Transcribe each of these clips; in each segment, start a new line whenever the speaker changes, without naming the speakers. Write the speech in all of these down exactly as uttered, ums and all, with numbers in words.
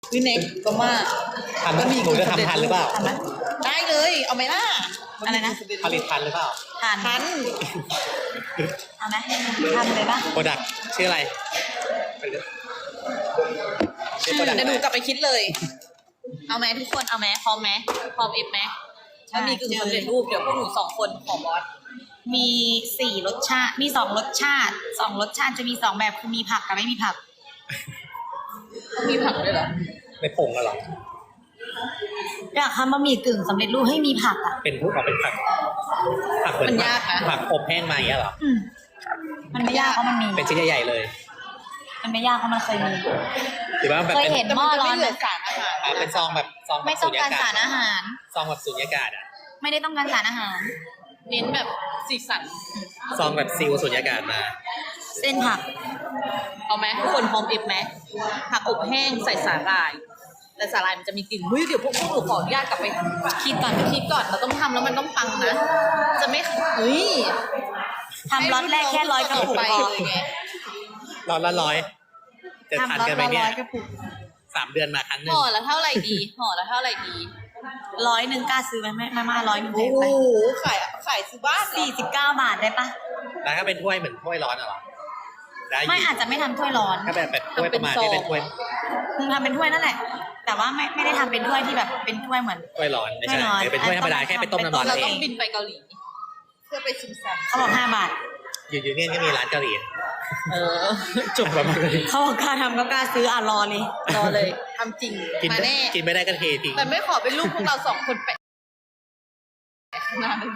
วิเน็กก็มา
ทำหนูจะทำทันหรือเปล่า
ทำไหมได้เลยเอาไหมล่ะ
อะไรนะ
ผลิตทันหรือเปล่า
ทาน
ทัน
เอาไหมทำเลยปะ
โปรดักชื่ออะไรไปเลยชื่อ
เดี๋
product
ยวดูกลับไปคิดเลย เอาไหมทุกคนเอาไหมพร้อมไหมพร้อมเอฟไหมถ้ามีกึ่งสำเร็จรูปเดี๋ยวพวกหนูสองคนของบอส
มีสี่รสชาติ มีสองรสชาติสองรสชาติจะมีสองแบบคือมีผักกับไม่มีผัก
ต้องมีผักด้วยเหรอ
ไม่ผงกันหรอ
อยากทำบะหมี่กึ่งสำเร็จรูปให้มีผักอ่ะ
เป็นพวกเอาเป็นผักผักเหมือน
มัน
ผั
ยากนะ
ผักอบแห้งมาอย่างเงี้ยเหรอ
อืมมันไม่ยากเพราะมันมี
เป็นชิ้นใหญ่ๆเลย
มันไม่ยากเพราะมันเคยมี
หรือว่าแบบ
เคย
เป็น
เห็น
แต่
หม้อ
มันจะ
ร้อ
ไม่
น
เห
ไห
ลื
ม
อสารอาหาร
อ่าเป็นซองแบบซองแบบ
ไม่ต้องการสาร
สุญญ
อาหาร
ซองแบบสุญญากาศอ่ะ
ไม่ได้ต้องการสารอาหาร
เน้นแบบสีสัน
ซองแบบซิลสุญญากาศมา
เส้นผัก
เอาไหมทุกคนพร้อมเอฟไหมผักอบแห้งใส่สาหร่าย แต่สาหร่ายมันจะมีกลิ่นเฮ้ยเดี๋ยวพวกพวกหนูขออนุญาตกลับไปคิดก่อนคิดก่อนเราต้องทำแล้วมันต้องปังนะ จะไม่เฮ้ย
ทำล็อตแรกแค่ร้อยกระปุก
ไป
พอ
เลยไง
ร้อนละร้อยจะทาน
ทำล็อต
กันไหม
ละ
เนี่
ร้
ย
อยกระปุก
สามเดือนมาครั้งหนึ่ง
ห่อละเท่าไหร่ดีห่อละเท่าไหร่ดี
ร้อยหนึ่งกล้าซื้อไหมไม่ไม่มาร้อยหนึ่ง
โอ้
แพง
โห
ไป
ขายขายซื้อบ้านเหรอ
สี่สิบเก้าบาทได้ปะ
แล้วถ้าเป็นถ้วยเหมือนถ้วยร้อนอะเหรอได้อยู่
ไม่อาจจะไม่ทำถ้วยร้อน
ถ้าแบบแบบถ้วยประมาณนี้เป็นถ้วย
มึงทำเป็นถ้วยนั่นแหละ แต่ว่าไม่ไม่ได้ทำเป็นถ้วยที่แบบเป็นถ้วยเหมือน
ถ้วยร้อนไม่
ถ้วย
ใช่
ร้อน
เดี๋ยวเป็นถ้วยธรรมดา
อ่ะ
แค่ไปต้มน้ำร้อน
เรา
เอ
ต้อง งบินไปเกาหลี เพื่อไปชิมซัน
เขาบอกห้าบาท
อยู่ยูเนี่ยก็มีร้านเกาหลี
เออ
จุดประมาณนี้
เขาบอกกล้าทำก็กล้าซื้ออ่ะรอเลย
รอเลยทำจริง
กิน
มาแน่
กินไม่ได้ก็เททิ้ง
แต่ไม่ขอเป็นลูกพวกเราสองคนแปะข้างหน้าเลย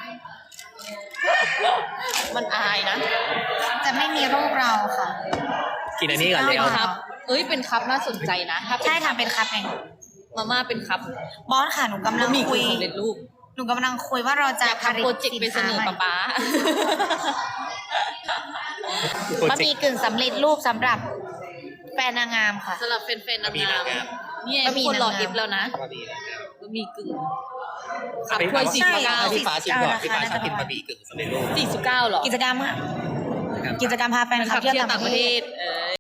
มันอายนะ
จะไม่มีรูปเราค่ะ
กินอันนี้ก่อนเลย
เอา
ครับ เอ้ยเป็นคัพน่าสนใจนะถ้าเป็น
ใช่ทำเป็นคัพเอง
มาม่าเป็นคัพ
บอสค่ะหนูกำลัง
มี
คุย
สำเร็จรูป
หนูกำลังคุยว่าเราจะ
อยาก
ผลิ
ทำ
ต
โปรเจกต์
สิน
ไปเส
ค้าน
อ
ใหม่
ป๊าป๊า
บะหมี่กึ่งสำเร็จรูปสำหรับแฟนนางงามค่ะ
สำหรับแฟนๆนาง
มี
งาม
นางงาม
เนี่ย
บะหมี่
คนรอน
างงาม
เอฟแล้วนะ
บะหมี่นางงาม
บะหมี่กึ่ง
อ่ะ
ขับถ้วยสี่
ใช่
สิบเก้า
ให้พี่ฟ้าชิมก่อน
ราคา
พี่ฟ้าชอบกิน
น่าจะ
บะหมี่กึ่งสำเร็จรูป
สี่สิบเก้าหรอ
กิจกรรมค่ะกิจกรรมพาแฟนคลับ
ขับ
เที่ยว
เที่ยว
ต่า
ต่าง ง
ป
ประ ระ
เท
เท
ศ
ศเออ